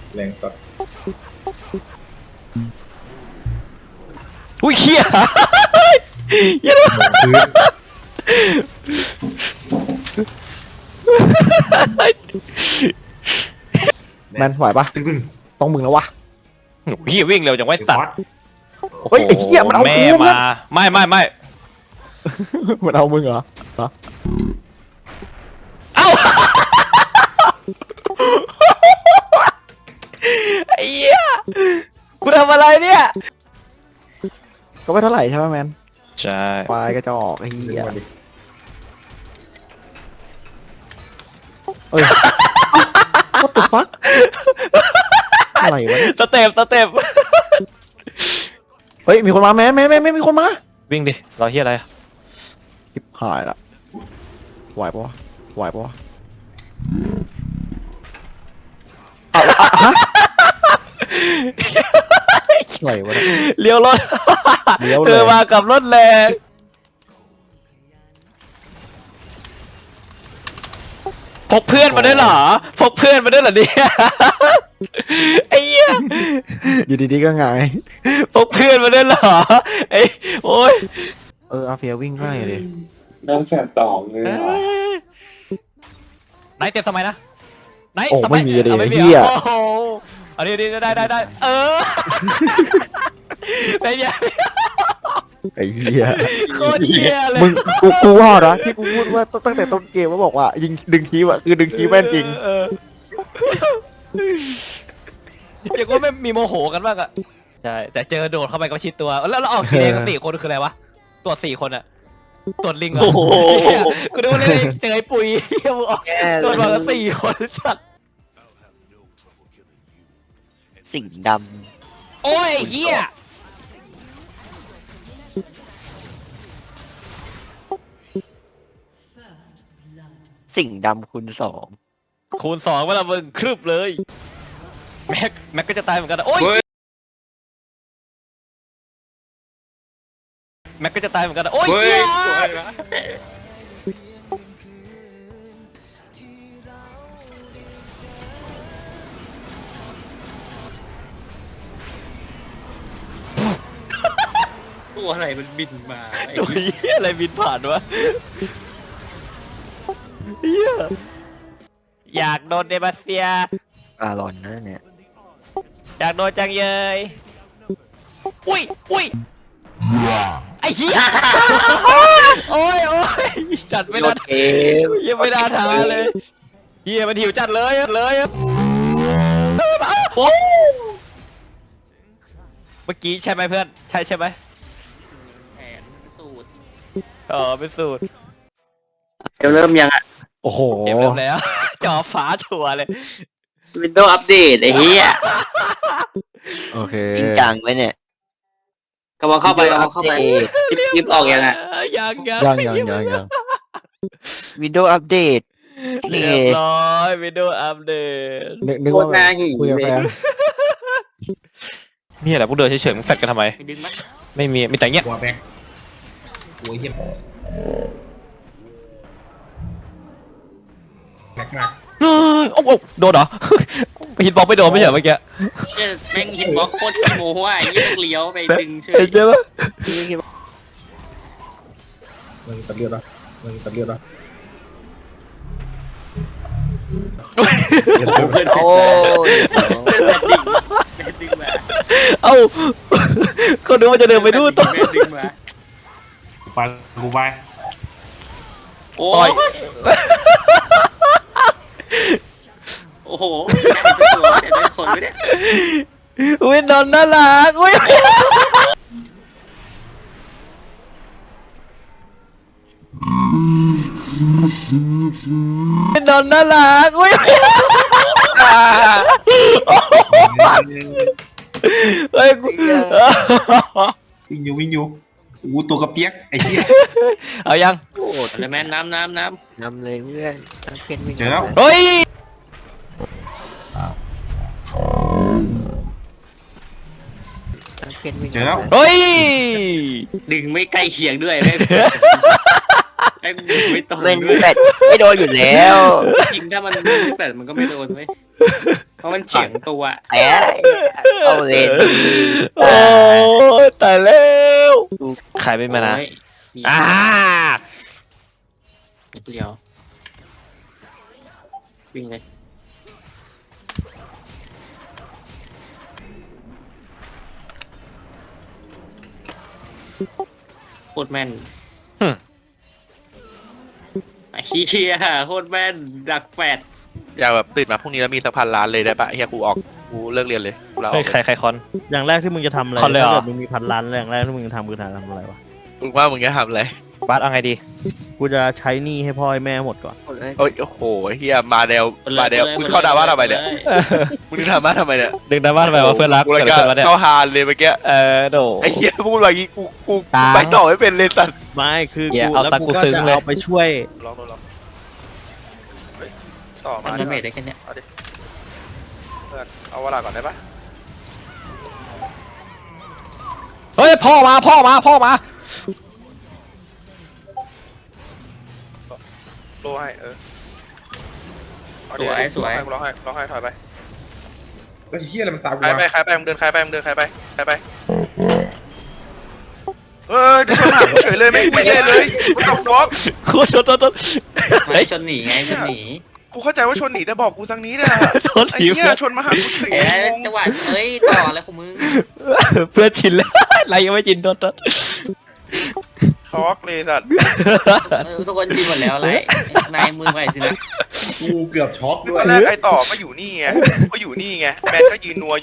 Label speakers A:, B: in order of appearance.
A: แรงสัตว์
B: อุ้ยเขี้ยเหี้ย
A: พื้น
C: แมนไหวปะ
A: ตึ้ง
C: ต้องมึงแล้ววะ
B: เหี้ยวิ่งเร็วจังไว้
A: ๆ
B: ตัด
A: ฟอส
C: เฮ้ยไอ้เหี้ยมันเอา
B: แม่
C: กู
B: มาไม่
C: มันเอามึงเหรอ
B: เอ้าไอ้เหี้ยกูทำอะไรเนี่ย
C: ก็ไม่เท่าไหร่ใช่ไหมแมน
B: ใช่
C: ควายกระจอกไอ้
A: ดึง
C: เหี้ย
A: มาดิ
C: เอ้ย what the fuck อะไรวะเนี่ย
B: สเต็ป
C: เฮ้ยมีคนมาแมนมีคนมา
B: วิ่งดิรอเหี้ยอะไร
C: ชิบหายละไหวปะวะไหวปะวะเอาอะฮะอะไรวะเนี่ย
B: เลี้ยวรถ
C: เลี้ยวเลย
B: เธอมากับรถแรงพกเพื่อนมาด้วยเหรอพกเพื่อนมาด้วยเหรอเนี่ยไอ้เหี้ย
C: อยู่ดีๆก็หงาย
B: พกเพื่อนมาด้วยเหรอไอ้โอ้ย
C: อาเฟียวิ่งไล่เลย
A: น้ำแสบตองเลย
B: ไหนเต็มสมัยนะไหน
C: โอ้
B: สย
C: ไม่มีเลย
B: อา
C: ไอ้
B: ไม่มี
C: เหี้ย
B: โอ้โหอันนี้ได้เออเป็นไง
C: ไอ้เหี้ย
B: โคตรเหี้ยเลย
C: มึงกูว่านะที่กูพูดว่าตั้งแต่ต้นเกมว่าบอกว่ายิงดึงทีอะคือดึงทีแม่นจริง
B: เออเรียกว่าไม่มีโมโหกันบ้างอะใช่แต่เจอโดดเข้าไปก็ชิดตัวแล้วเราออกสีแดงกัน4 คนคืออะไรวะตัว4 คนอะตัวลิงเหรอเหี้ยกูดูเลยเจอไอ้ปุ๋ยเหี้ยมึงออกตัวมากัน4 คนสัตว์
D: สิ่งด
B: โอ้ยเหี้ย
D: ำสิ่งดำคูณ 2
B: คูณ2เวลามึงครึบเลยแม็กก็จะตายเหมือนกันนะโอ้ยแม็กก็จะตายเหมือนกันนะโอ้ยเหี้ย
E: ตัวอะไรมันบินมาไอ้
B: ตัวเหี้ยอะไรบินผ่านวะเหี้ยอยากโดนเดมาเซีย
D: อารอนนั่นเนี่ย
B: อยากโดนจังเยยอุ้ยไอ้เหี้ยโอ้ยจัดไม่ได้
D: เกม
B: ยังไม่ได้ทาเลยเฮียมันหิวจัดเลยเมื่อกี้ใช่ไหมเพื่อนใช่ไหม
E: แผนสูตร
B: อ๋อเป็นสูตร
D: เริ่มยังอ่ะ
C: โอ้โห
B: เกมเริ่มแล้ว จอฟ้าชัวร์เลย
D: Windows อัปเดตไอ้เหี้ย
C: โอเค
D: จริงจังไหมเนี่ย
E: กำลังเข้าไป
D: Windows
E: เข้าไป
D: Update
E: คลิปออกยังอ่ะ
B: ยัง
D: Windows อัปเดต
B: เรียบร้อยวิดีโออัปเดต
C: นึก
E: โค
C: ว่า
E: ตรน่าหิว
C: คุยกับ
E: เล
C: แฟ
E: ย
C: น
B: นี่แหละพวกเดินเฉยๆมึงแฟดกันทำไม
E: ไปดึงมั้ย
B: ไม่มีแต่เงี้ย
A: หัวแบกหัวเหี้ยแบกมาก
B: โอ้โหโดนเหรอฮิตบอลไม่โดนไม่ใช่เมื่อกี้
E: เนี่ยแม่งฮิตบล็อกโคตรขี้โม้ว่ะไอ้ยี่เลี้ยวไปดึงเฉย
B: เห็นใช่ปะ
A: มึงตัดเลือดปะมึงตัดเลือดปะ
D: โอ้ย
E: แม่ดึงมา
B: เอ้าเขาดูว่าจะเดินไปดูต่อ
E: แม่ดึงมา
A: ไปกูไป
E: โอ้
B: ต่อย
E: ยโอ้โหเห็นเป็นคนไม่ได้
B: อุ้ยนอนน่ารักอุ้ยนอนน่ารักอุ้ยเฮ้ยกู
A: วิ่งอยู่อู้ตัวกระเปียกไอ้เหี้ย
B: เอายัง
D: โอ้โห
E: แล้วแม่น้ำ
D: นำเลยเพื่อนตั้งเกมวิ่ง
A: เจอแล้ว
B: เฮ้ย
D: ตั้งเกมวิ่ง
A: เจอแล้ว
B: เฮ้ย
E: ดึงไม่ใกล้เคียงด้วยแม่ไอ้ดึงไม่ตรง
D: เป็น
E: ด้วย
D: แปดไม่โดนอยู่แล้ว
E: จริงถ้ามันไม่แปดมันก็ไม่โดนเว้ยเพราะมันเฉียงตัว
D: เอ้ยเอาเลย
B: โอ้ยตายแล้วใครเป็นมานะ
E: โอ้ยมี
B: อ่า
E: นิดเดียววิ่งเลยโคตรแม่นไอ้เหี้ยโคตรแม่นดักแฟด
F: อยากแบบตื่นมาพรุ่งนี้แล้วมีสัก1,000 ล้านเลยได้ปะเฮียกูออกกูเลิกเรียนเลยกูลาอ
B: เฮ้
F: อย ก
B: ใครคอน
C: อย่างแรกที่มึงจะทำอะไร
B: คอนเลยเหรอ
C: ถ้าเกิดมึงมี1,000 ล้านอย่างแรกที่มึงจะทำคือทำอะไรวะ
F: มึงว่ามึงจะทำอะไร
B: บาสเอาไงดี
C: กูจะใช้หนี้ให้พ่อให้แม่หมดก่อน
F: โอ้ยโอ้โหเฮียมาแนวมึงเข้าดราม่าทำไมเนี่ยมึงดราม่าทำไมเนี่ย
B: ดึงดราม่าทำไมวะเพื่อนรัก
F: กู
B: เกิ
F: เลย
B: ดอะไรขึ้นวะเนี่ย
F: เข้าฮานเลยเมื่อกี้
B: โด
F: ไอ้เฮียพูดแบบนี้กู
C: ตาม
F: ไปต่อไม่เป็นเลยสัตว์
C: ไม่คือ
B: อย่า
C: กู
B: เอา
C: แล้ว
B: สัก
C: กู
B: กู
C: ก็
B: ซึ้ง
C: จะ
B: เลย
C: เอาไปช่วย
F: ลองเฮ้ยต่อมา
E: ทำ
F: ดิ
E: น้ำเมทได้แค่เนี้ย
F: เพื่อนเอาเวลาก่อนได้ปะ
B: เฮ้ยพ่อมา
F: โลให้เอา
E: ส
F: ดิ
E: วยสวย
F: ร้องให้ถอยไป
A: ไอ้เฮียอะไรมันตามกู
F: ใคร
A: วะ
F: ไปมึงเดินใครไปเดินใครไปเดี๋ยวชนหากูเฉยเลยไม่ใช่เลยกูตกฟอก
B: โคตรโทษ
E: ไม่ชนหนีไงชนหนี
F: กูเข้าใจว่าชนหนีแต่บอกกูทางนี้เนี่ย
B: โทษ
F: ไอ้
B: ที
F: เหี้ยชนมาหากูเฉย
E: เอ๊ะ
F: งง
E: จังหวะเฮ้ยต่ออะไรของมึง
B: เพื่อนชินแล้วอะไรยังไม่ชินโทษ
F: ช็อกเลยสัตว์
E: ทุกคนชินหมดแล้วไรนายมือใหม่สินะ
A: กูเกือบช็อกด้วย
F: ตอนแรกไอ้ต่อก็อยู่นี่ไงแมนก็ยืนนัว